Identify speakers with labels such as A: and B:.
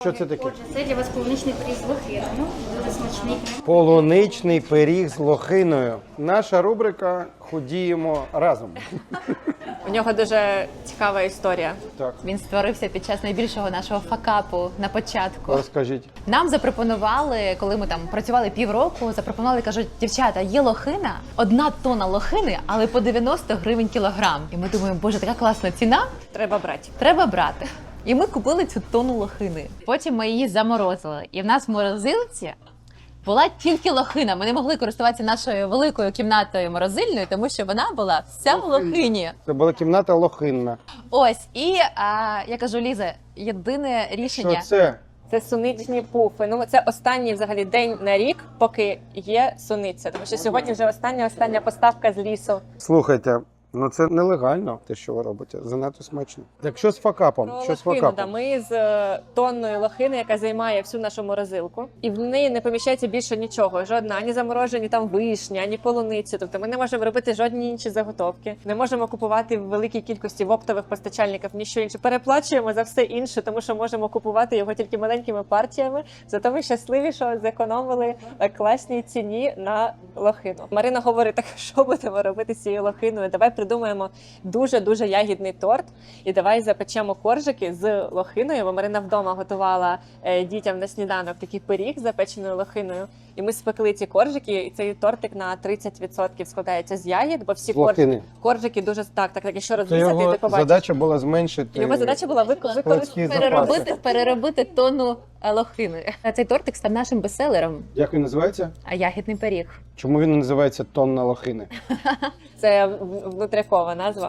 A: Що це таке?
B: Отже, це для вас полуничний пиріг з лохиною. Дуже смачний.
A: Полуничний пиріг з лохиною. Наша рубрика «Худіємо разом».
C: У нього дуже цікава історія.
A: Так,
D: Він створився під час найбільшого нашого факапу на початку.
A: розкажіть.
D: Нам запропонували, коли ми там працювали півроку, запропонували, кажуть, дівчата, є лохина, 1 тонна лохини, але по 90 гривень кілограм. І ми думаємо, боже, така класна ціна,
C: Треба брати.
D: треба брати. І ми купили цю тонну лохини. Потім ми її заморозили. І в нас в морозилці була тільки лохина. Ми не могли користуватися нашою великою кімнатою морозильною, тому що вона була вся в лохині.
A: Це була кімната лохинна.
D: Ось, і я кажу, Ліза, єдине рішення.
A: Що це?
C: Це суничні пуфи. Ну, це останній взагалі день на рік, поки є суниця. Тому що сьогодні вже остання поставка з лісу.
A: Слухайте, ну це нелегально, те, що ви робите. Занадто смачно. Так що з факапом?
C: Про
A: Що з
C: лохину, да,
A: факапом?
C: ми з тонною лохини, яка займає всю нашу морозилку, і в неї не поміщається більше нічого. Жодна ані заморожені там вишня, ані полуницю. Тобто ми не можемо робити жодні інші заготовки. Не можемо купувати в великій кількості в оптових постачальників ніщо інше. Переплачуємо за все інше, тому що можемо купувати його тільки маленькими партіями. Зато ми щасливі, що зекономили класній ціні на лохину. Марина говорить, так що будемо робити з цією лохиною? Давай придумаємо дуже ягідний торт і давай запечемо коржики з лохиною, бо Марина вдома готувала дітям на сніданок такий пиріг з запеченою лохиною. І ми спекли ці коржики, і цей тортик на 30% складається з ягід, бо всі
A: З лохини.
C: коржики дуже так, якщо
A: Це
C: розрізати,
A: його
C: ти побачиш.
A: задача була зменшити.
C: Його задача була
A: складські запаси.
D: Переробити тонну лохини. Цей тортик став нашим бестселером,
A: Як він називається?
D: а ягідний пиріг.
A: Чому він називається «Тонна лохини»?
C: Це внутрякова назва.